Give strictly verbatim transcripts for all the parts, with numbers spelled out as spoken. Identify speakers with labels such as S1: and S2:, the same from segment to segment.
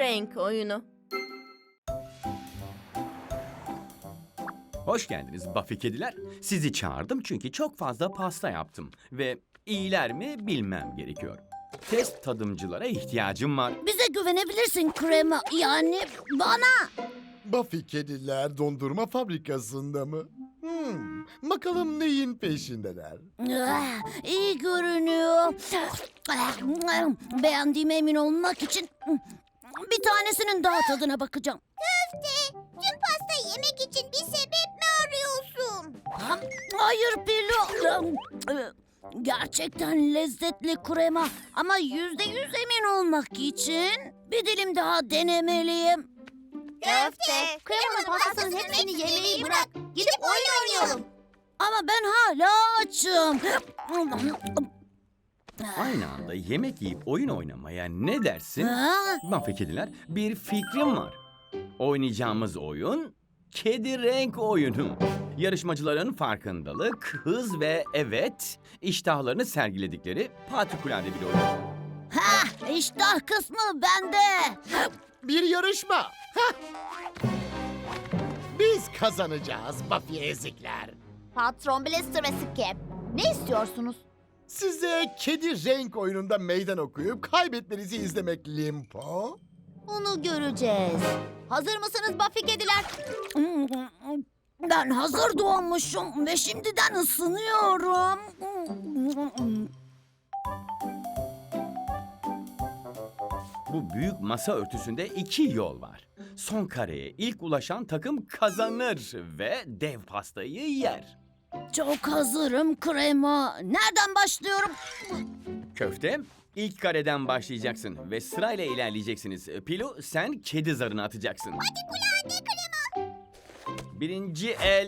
S1: renk oyunu.
S2: Hoş geldiniz Buffy kediler. Sizi çağırdım çünkü çok fazla pasta yaptım. Ve iyiler mi bilmem gerekiyor. Test tadımcılara ihtiyacım var.
S3: Bize güvenebilirsin krema. Yani bana.
S4: Buffy kediler dondurma fabrikasında mı? Hmm, bakalım neyin peşindeler?
S3: Ah, İyi görünüyor. Beğendiğime emin olmak için bir tanesinin daha tadına bakacağım.
S5: Köfte, tüm pasta yemek için bir sebep mi arıyorsun?
S3: Hayır Pilo. Gerçekten lezzetli krema. Ama yüzde yüz emin olmak için bir dilim daha denemeliyim.
S5: Köfte, kremanın pastasının hepsini yemeyi bırak. Gidip oyun oynayalım.
S3: Ama ben hala açım.
S2: Aynı anda yemek yiyip oyun oynamaya ne dersin?
S3: Ha?
S2: Buffy kediler, bir fikrim var. Oynayacağımız oyun kedi renk oyunu. Yarışmacıların farkındalık, hız ve evet iştahlarını sergiledikleri patikulade bir oyun.
S3: Ha, iştah kısmı bende.
S4: Bir yarışma. Hah! Biz kazanacağız Buffy ezikler.
S5: Patron Blaster ve Skip, ne istiyorsunuz?
S4: Size kedi renk oyununda meydan okuyup kaybetmenizi izlemek Limpo.
S5: Onu göreceğiz. Hazır mısınız Buffy kediler?
S3: Ben hazır doğmuşum ve şimdiden ısınıyorum.
S2: Bu büyük masa örtüsünde iki yol var. Son kareye ilk ulaşan takım kazanır ve dev pastayı yer.
S3: Çok hazırım krema. Nereden başlıyorum?
S2: Köfte, ilk kareden başlayacaksın ve sırayla ilerleyeceksiniz. Pilu, sen kedi zarını atacaksın.
S5: Hadi krema.
S2: Birinci el.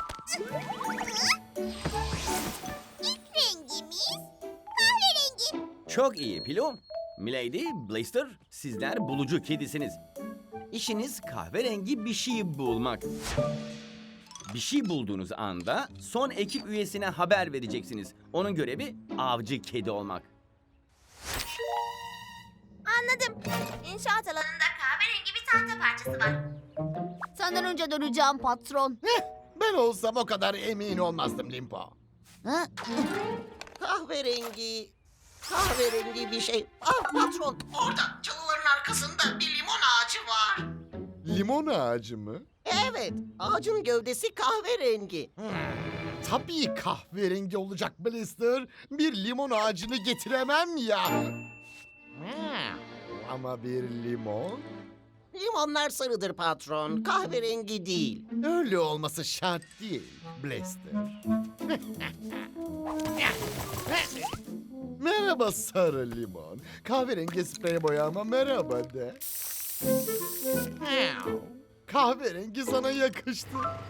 S5: İlk rengimiz kahverengi.
S2: Çok iyi Pilu. Milady, Blaster, sizler bulucu kedisiniz. İşiniz kahverengi bir şey bulmak. Bir şey bulduğunuz anda son ekip üyesine haber vereceksiniz. Onun görevi avcı kedi olmak.
S5: Anladım. İnşaat alanında kahverengi bir tahta parçası var. Senden önce döneceğim patron.
S4: Heh, ben olsam o kadar emin olmazdım Limpo.
S5: Ha?
S6: Kahverengi, kahverengi bir şey. Ah patron, orada çalıların arkasında bir limon ağacı var.
S4: Limon ağacı mı?
S6: Evet, ağacın gövdesi kahverengi.
S4: Tabii kahverengi olacak Blister. Bir limon ağacını getiremem ya. Ama bir limon
S6: Limonlar sarıdır patron, kahverengi değil.
S4: öyle olması şart değil Blister. Merhaba sarı limon. Kahverengi sprey boyama merhaba de. Kahverengi sana yakıştı.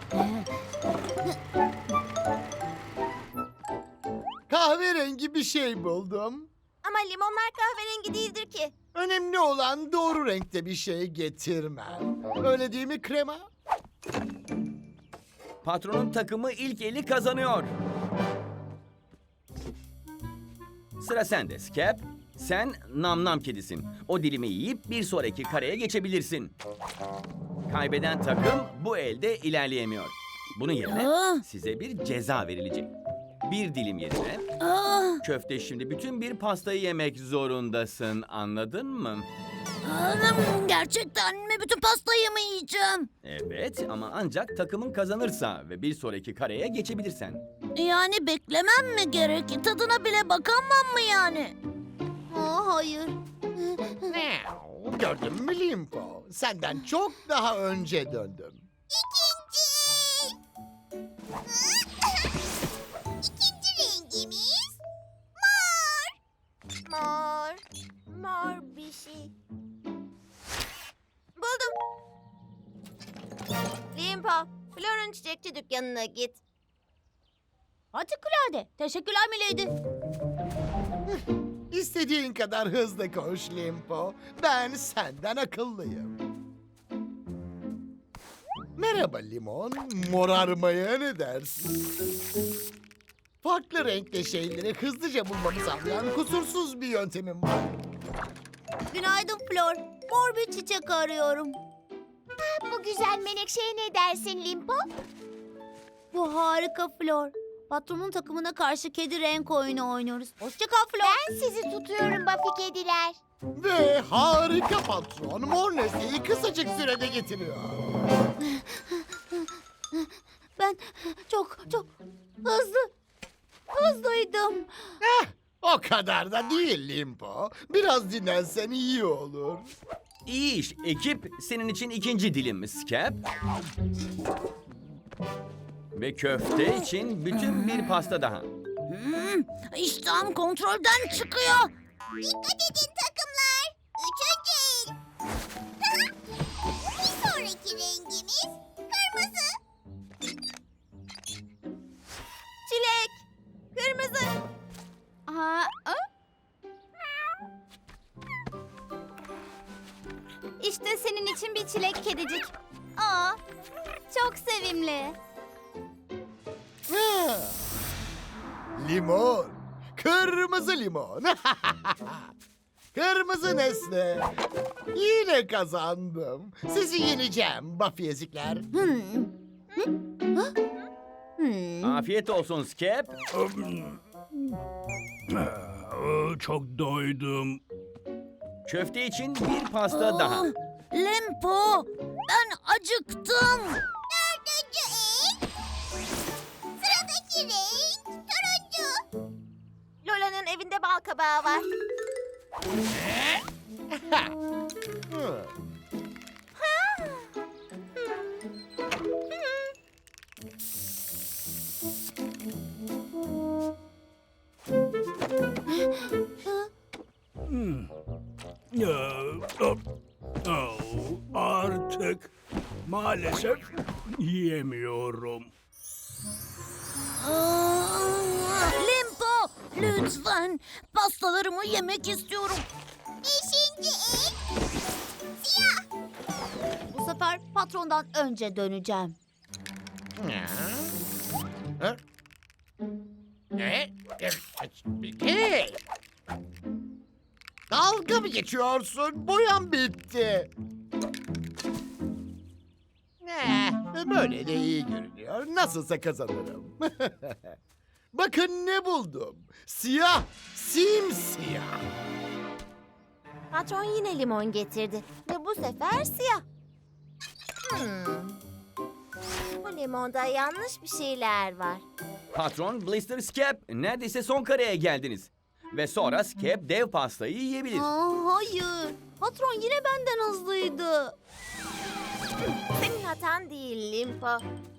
S4: Kahverengi bir şey buldum.
S5: Ama limonlar kahverengi değildir ki.
S4: Önemli olan doğru renkte bir şey getirmen. Öyle değil mi krema?
S2: Patronun takımı ilk eli kazanıyor. Sıra sende Skep. Sen nam nam kedisin. O dilimi yiyip bir sonraki kareye geçebilirsin. Kaybeden takım bu elde ilerleyemiyor. Bunun yerine
S3: Ah.
S2: size bir ceza verilecek. Bir dilim yerine
S3: Ah,
S2: köfte şimdi bütün bir pastayı yemek zorundasın. Anladın mı?
S3: anam, gerçekten mi bütün pastayı mı yiyeceğim?
S2: Evet ama ancak takımın kazanırsa ve bir sonraki kareye geçebilirsen.
S3: Yani beklemem mi gerek? Tadına bile bakamam mı yani?
S5: Aa, hayır.
S4: Gördün mü Limpo? Senden çok daha önce döndüm.
S5: İkinci. İkinci rengimiz mor. Mor. Mor bir şey. Buldum. Limpo, Flor'un çiçekçi dükkanına git. Hatikulade. Teşekkürler Milady.
S4: İstediğin kadar hızlı koş Limpo. Ben senden akıllıyım. Merhaba limon. Morarmaya ne dersin? Farklı renkte şeyleri hızlıca bulmamı sağlayan kusursuz bir yöntemim var.
S3: Günaydın Flor. Mor bir çiçek arıyorum.
S5: Bu güzel menekşeye ne dersin Limpo?
S3: Bu harika Flor. Patronun takımına karşı kedi renk oyunu oynuyoruz. Hoşça kal Flor.
S5: Ben sizi tutuyorum Buffy kediler.
S4: Ve harika patron mor nesneyi kısacık sürede getiriyor.
S3: Ben çok çok hızlı hızlıydım.
S4: Eh, o kadar da değil Limpo. Biraz dinlensen iyi olur.
S2: İyi iş ekip. Senin için ikinci dilim Skep. Ve köfte için bütün bir pasta daha.
S3: Hmm, iştahım kontrolden çıkıyor.
S5: Dikkat edin takımlar. Üçüncü el. Bir sonraki rengimiz kırmızı. Çilek. Kırmızı. Aa, İşte senin için bir çilek kedicik. Aa, çok sevimli.
S4: Ha. Limon. Kırmızı limon. Kırmızı nesne. Yine kazandım. Sizi yeneceğim Buffy ezikler.
S3: Hmm. Hmm.
S2: Afiyet olsun Skep.
S1: Çok doydum.
S2: Köfte için bir pasta daha.
S3: Limpo, ben acıktım.
S5: Dördüncü el. Sıradaki renk turuncu. Lola'nın evinde bal kabağı var.
S4: Hı.
S1: Oh, artık maalesef yiyemiyorum.
S3: Aa, Limpo, lütfen pastalarımı yemek istiyorum.
S5: Beşinci el. Siyah.
S3: Bu sefer patrondan önce döneceğim.
S4: Ha? Ne? Hey! Dalga mı geçiyorsun? Boyam bitti. Ne? Böyle de iyi görünüyor. Nasılsa kazanırım. Bakın ne buldum. Siyah, simsiyah.
S5: Patron yine limon getirdi ve bu sefer siyah. Hmm. Bu limonda yanlış bir şeyler var.
S2: Patron, Blister, Skep. Neredeyse son kareye geldiniz. Ve sonra Skep dev pastayı yiyebilir.
S3: Aa, hayır, patron yine benden hızlıydı.
S5: Senin hatan değil Limpo.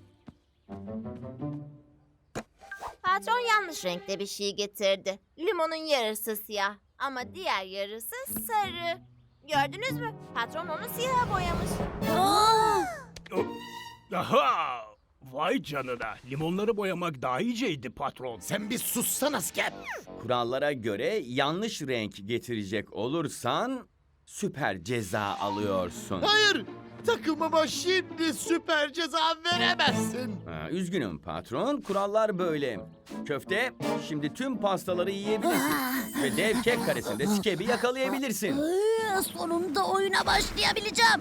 S5: Patron yanlış renkte bir şey getirdi. Limonun yarısı siyah ama diğer yarısı sarı. Gördünüz mü? Patron onu siyaha boyamış.
S3: Aa,
S1: Aha! Vay canına. Limonları boyamak daha iyiceydi patron.
S4: Sen bir sussana Skep.
S2: Kurallara göre yanlış renk getirecek olursan süper ceza alıyorsun.
S4: Hayır, takımıma şimdi süper ceza veremezsin.
S2: Ha, üzgünüm patron. Kurallar böyle. Köfte, şimdi tüm pastaları yiyebilirsin. Ve dev kek karesinde Skep'i yakalayabilirsin.
S3: ay, sonunda oyuna başlayabileceğim.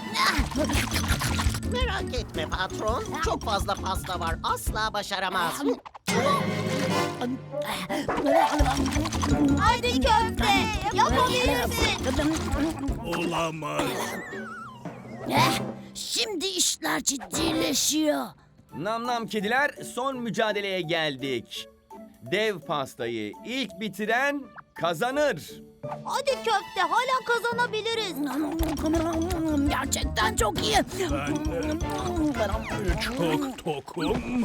S6: Merak etme patron. Çok fazla pasta var. Asla başaramaz.
S3: Haydi köfte, yapabilirsin.
S1: Olamaz.
S3: Eh, şimdi işler ciddileşiyor.
S2: Nam nam kediler, son mücadeleye geldik. Dev pastayı ilk bitiren kazanır.
S3: Hadi köfte, hala kazanabiliriz. Gerçekten çok iyi.
S1: Ben de çok tokum.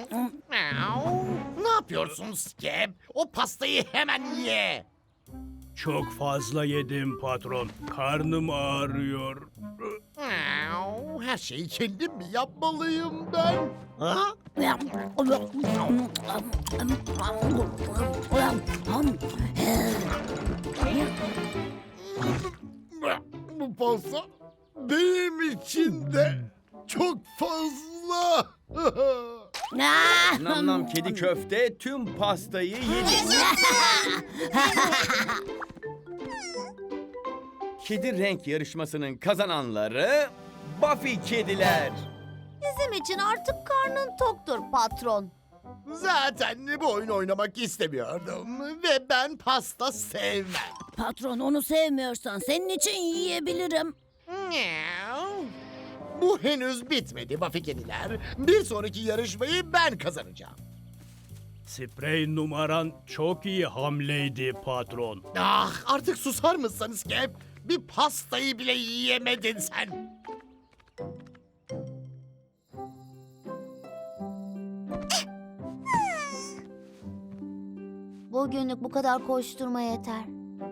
S4: Ne yapıyorsun Skep? O pastayı hemen ye.
S1: Çok fazla yedim patron. Karnım ağrıyor.
S4: Her şeyi kendim mi yapmalıyım ben? Ha? Bu pasta benim için de çok fazla.
S2: Nam nam kedi köfte tüm pastayı yedi. Kedi renk yarışmasının kazananları Buffy kediler.
S3: Bizim için artık karnın toktur patron.
S4: Zaten bu oyunu oynamak istemiyordum ve ben pasta sevmem.
S7: Patron onu sevmiyorsan senin için yiyebilirim.
S4: Bu henüz bitmedi Buffy kediler. Bir sonraki yarışmayı ben kazanacağım.
S1: Sprey numaran çok iyi hamleydi patron.
S4: Ah, artık susar mısınız Cap? Bir pastayı bile yiyemedin sen.
S3: Bugünlük bu kadar koşturma yeter.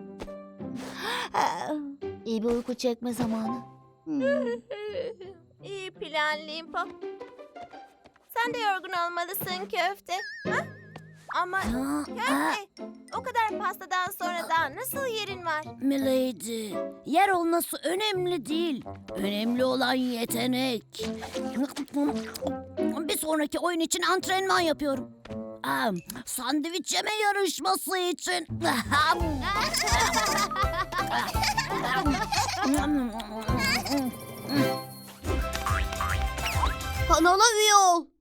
S3: İyi bir uyku çekme zamanı. Hmm.
S5: İyi plan Limpo. Sen de yorgun olmalısın köfte. Ha? Ama
S7: Ha,
S5: köfte, o kadar pastadan sonra daha nasıl yerin var?
S7: Milady, yer olması önemli değil. Önemli olan yetenek. Bir sonraki oyun için antrenman yapıyorum. Aa, sandviç yeme yarışması için.
S3: Kanala üye ol.